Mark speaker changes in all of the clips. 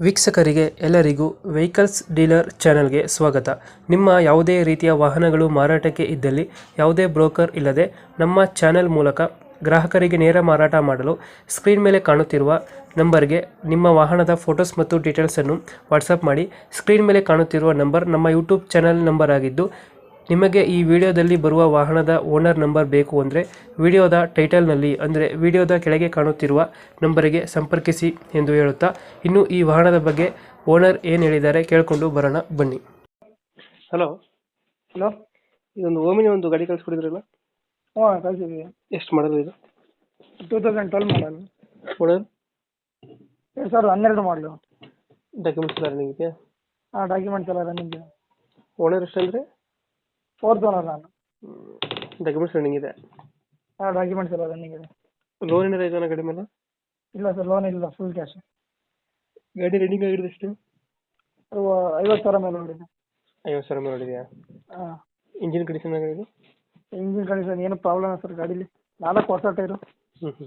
Speaker 1: ವೀಕ್ಷಕರಿಗೆ ಎಲ್ಲರಿಗೂ vehicles dealer ಚಾನೆಲ್ಗೆ ಸ್ವಾಗತ. ನಿಮ್ಮ ಯಾವುದೇ ರೀತಿಯ ವಾಹನಗಳು ಮಾರಾಟಕ್ಕೆ ಇದ್ದಲ್ಲಿ ಯಾವುದೇ ಬ್ರೋಕರ್ ಇಲ್ಲದೆ ನಮ್ಮ ಚಾನೆಲ್ ಮೂಲಕ ಗ್ರಾಹಕರಿಗೆ ನೇರ ಮಾರಾಟ ಮಾಡಲು ಸ್ಕ್ರೀನ್ ಮೇಲೆ ಕಾಣುತ್ತಿರುವ ನಂಬರ್ಗೆ ನಿಮ್ಮ ವಾಹನದ ಫೋಟೋಸ್ ಮತ್ತು ಡೀಟೇಲ್ಸನ್ನು ವಾಟ್ಸಪ್ ಮಾಡಿ. ಸ್ಕ್ರೀನ್ ಮೇಲೆ ಕಾಣುತ್ತಿರುವ ನಂಬರ್ ನಮ್ಮ ಯೂಟ್ಯೂಬ್ ಚಾನೆಲ್ ನಂಬರ್ ಆಗಿದ್ದು, ನಿಮಗೆ ಈ ವಿಡಿಯೋದಲ್ಲಿ ಬರುವ ವಾಹನದ ಓನರ್ ನಂಬರ್ ಬೇಕು ಅಂದರೆ ವಿಡಿಯೋದ ಟೈಟಲ್ನಲ್ಲಿ ಅಂದರೆ ವಿಡಿಯೋದ ಕೆಳಗೆ ಕಾಣುತ್ತಿರುವ ನಂಬರಿಗೆ ಸಂಪರ್ಕಿಸಿ ಎಂದು ಹೇಳುತ್ತಾ, ಇನ್ನು ಈ ವಾಹನದ ಬಗ್ಗೆ ಓನರ್ ಏನು ಹೇಳಿದ್ದಾರೆ ಕೇಳಿಕೊಂಡು ಬರೋಣ ಬನ್ನಿ. Hello
Speaker 2: hello.
Speaker 1: ಇದೊಂದು ಓಮಿನಿ ಒಂದು ಗಾಡಿ ಕಳಿಸ್ಕೊಡಿದ್ರಲ್ಲ,
Speaker 2: ಹ್ಞೂ ಕಳಿಸಿದ್ದೀವಿ.
Speaker 1: ಎಷ್ಟು ಮಾಡಲ್ ಇದು?
Speaker 2: 2012 ಮಾಡಲ್,
Speaker 1: ಓನರ್
Speaker 2: 2012 ಮಾಡಲು.
Speaker 1: ಡಾಕ್ಯುಮೆಂಟ್ಸ್ ಎಲ್ಲ ರನ್ನಿಂಗ್ ಇದೆಯಾ?
Speaker 2: ಹಾಂ, ಡಾಕ್ಯುಮೆಂಟ್ಸ್ ಎಲ್ಲ ರನ್ನಿಂಗ್ ಇದೆ.
Speaker 1: ಓನರ್ ಎಷ್ಟು ಅಂದರೆ?
Speaker 2: 4th ಓನರ್ ನಾನು.
Speaker 1: ಡಾಕ್ಯುಮೆಂಟ್ಸ್ ರನ್ನಿಂಗ್ ಇದೆ?
Speaker 2: ಹಾಂ, ಡಾಕ್ಯುಮೆಂಟ್ಸ್ ಎಲ್ಲ ರನ್ನಿಂಗ್ ಇದೆ.
Speaker 1: ಲೋನ್ ಏನಾರ ಇದೆಯಾ ಗಾಡಿ ಮೇಲೆ?
Speaker 2: ಇಲ್ಲ ಸರ್, ಲೋನ್ ಇಲ್ಲ, ಫುಲ್ ಕ್ಯಾಶ್.
Speaker 1: ಗಾಡಿ ರನ್ನಿಂಗ್ ಆಗಿರೋದು ಎಷ್ಟು?
Speaker 2: 50,000 ಮೇಲೆ ನೋಡಿದೆ.
Speaker 1: 50,000 ಮೇಲೆ ನೋಡಿದೆಯಾ?
Speaker 2: ಹಾಂ.
Speaker 1: ಇಂಜಿನ್ ಕಂಡೀಷನ್ ಆಗಿರೋದು?
Speaker 2: ಇಂಜಿನ್ ಕಂಡೀಷನ್ ಏನು ಪ್ರಾಬ್ಲಮ್ ಇಲ್ಲ ಸರ್ ಗಾಡೀಲಿ. 4 ಹೊಸ ಟೈರು.
Speaker 1: ಹ್ಞೂ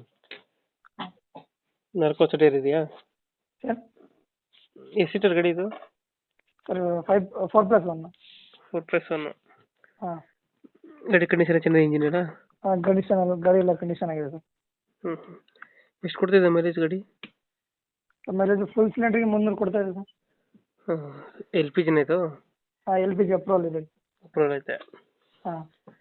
Speaker 1: 4 ವರ್ಷ ಟೈರ್ ಇದೆಯಾ?
Speaker 2: ಸರ್
Speaker 1: ಎಷ್ಟು ಸೀಟರ್ ಗಾಡಿ ಇದು?
Speaker 2: ಸರ್ 4+1.
Speaker 1: 4+1.
Speaker 2: ಹಾಂ.
Speaker 1: ಗಾಡಿ ಕಂಡೀಷನ್ ಚೆನ್ನಾಗಿ ಇಂಜಿನ್ ಎಲ್ಲ?
Speaker 2: ಹಾಂ, ಕಂಡೀಷನ್ ಎಲ್ಲ ಗಾಡಿ ಎಲ್ಲ ಕಂಡೀಷನ್ ಆಗಿದೆ ಸರ್.
Speaker 1: ಎಷ್ಟು ಕೊಡ್ತಿದೆ ಮೈಲೇಜ್ ಗಾಡಿ?
Speaker 2: ಮೈಲೇಜ್ ಫುಲ್ ಸಿಲಿಂಡ್ರಿಗೆ 300 ಕೊಡ್ತಾ ಇದೆ ಸರ್.
Speaker 1: ಎಲ್ ಪಿ ಜಿನ ಇದು?
Speaker 2: ಹಾಂ, LPG ಅಪ್ರೂವಲ್ ಇದೆ.
Speaker 1: ಅಪ್ರೂವಲ್ ಐತೆ?
Speaker 2: ಹಾಂ.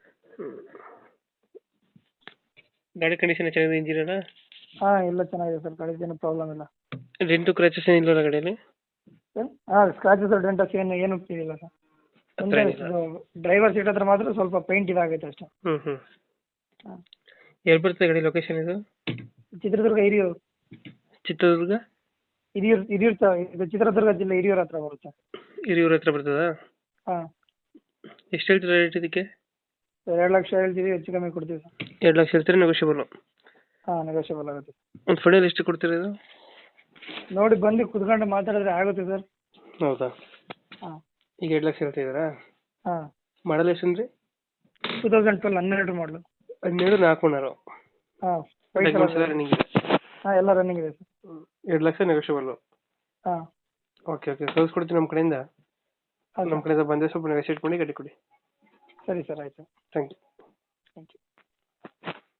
Speaker 1: ಗಾಡಿ ಕಂಡೀಷನ್ ಚೆನ್ನಾಗಿದೆ, ಇಂಜಿನ್ ಎಲ್ಲ?
Speaker 2: ಹಾಂ, ಎಲ್ಲ ಚೆನ್ನಾಗಿದೆ ಸರ್, ಗಾಡಿದು ಏನು ಪ್ರಾಬ್ಲಮ್ ಇಲ್ಲ.
Speaker 1: ಡೆಂಟು ಕ್ರ್ಯಾಚಸ್ ಏನಿಲ್ಲ ಗಾಡಿಯಲ್ಲಿ?
Speaker 2: ಹಾಂ, ಸ್ಕ್ರಾಚಸ್ ಡೆಂಟಸ್ ಏನು ಇಲ್ಲ ಸರ್.
Speaker 1: ಹತ್ರ ಏನಿಲ್ಲ?
Speaker 2: ಡ್ರೈವರ್ ಸೀಟ್ ಹತ್ರ ಮಾತ್ರ ಸ್ವಲ್ಪ ಪೇಂಟ್ ಇದಾಗೈತೆ ಅಷ್ಟೇ.
Speaker 1: ಹ್ಞೂ
Speaker 2: ಹಾಂ.
Speaker 1: ಎಲ್ಲಿ ಬರ್ತದೆ ಗಾಡಿ ಲೊಕೇಶನ್ ಇದು?
Speaker 2: ಚಿತ್ರದುರ್ಗ ಹಿರಿಯೂರು.
Speaker 1: ಚಿತ್ರದುರ್ಗ
Speaker 2: ಹಿರಿಯೂರು ಸರ್, ಇದು ಚಿತ್ರದುರ್ಗ ಜಿಲ್ಲೆ ಹಿರಿಯೂರು ಹತ್ರ ಬರುತ್ತೆ.
Speaker 1: ಹಿರಿಯೂರ ಹತ್ರ ಬರ್ತದಾ?
Speaker 2: ಹಾಂ.
Speaker 1: ಎಷ್ಟು ಹೇಳ್ತೀರಾ ರೇಟ್ ಇದಕ್ಕೆ?
Speaker 2: 2 ಲಕ್ಷ ಹೇಳ್ತೀವಿ, ಹೆಚ್ಚು ಕಮ್ಮಿ ಕೊಡ್ತೀವಿ ಸರ್.
Speaker 1: 2 ಲಕ್ಷ ಹೇಳ್ತೀರಾ, ನೆಗೋಷಿಯಬಲ್?
Speaker 2: ಹಾಂ, ನೆಗೋಷಿಯಬಲ್ ಆಗುತ್ತೆ.
Speaker 1: ಒಂದು ಫೈನಲ್ ಎಷ್ಟು ಕೊಡ್ತೀರಾ ಇದು?
Speaker 2: ನೋಡಿ ಬಂದು ಕುತ್ಕೊಂಡು ಮಾತಾಡಿದ್ರೆ ಆಗುತ್ತೆ ಸರ್.
Speaker 1: ಹೌದಾ?
Speaker 2: ಹಾಂ.
Speaker 1: ಈಗ 2 ಲಕ್ಷ ಹೇಳ್ತಿದ್ದೀರಾ?
Speaker 2: ಹಾಂ.
Speaker 1: ಮಾಡಲ್ ಎಷ್ಟು ಅಂದರೆ?
Speaker 2: 2012 12 ಮಾಡಲು.
Speaker 1: 12 4 ಓನರು.
Speaker 2: ಹಾಂ.
Speaker 1: ಡಾಕ್ಯುಮೆಂಟ್ಸ್ ಎಲ್ಲ ರನ್ನಿಂಗ್ ಇದೆ?
Speaker 2: ಹಾಂ, ಎಲ್ಲ ರನ್ನಿಂಗ್ ಇದೆ ಸರ್.
Speaker 1: 2 ಲಕ್ಷ ನೆಗೋಷಿಯಬಲ್ಲು?
Speaker 2: ಹಾಂ.
Speaker 1: ಓಕೆ ಕಳಿಸ್ಕೊಡ್ತೀನಿ ನಮ್ಮ ಕಡೆಯಿಂದ.
Speaker 2: ಹಾಂ,
Speaker 1: ನಮ್ಮ ಕಡೆಯಿಂದ ಬಂದರೆ ಸ್ವಲ್ಪ ನೆಗೋಷಿಯೇಟ್ ಮಾಡಿ ಗಾಡಿ ಕೊಡಿ.
Speaker 2: ಸರಿ ಸರ್, ಆಯಿತು.
Speaker 1: Thank you.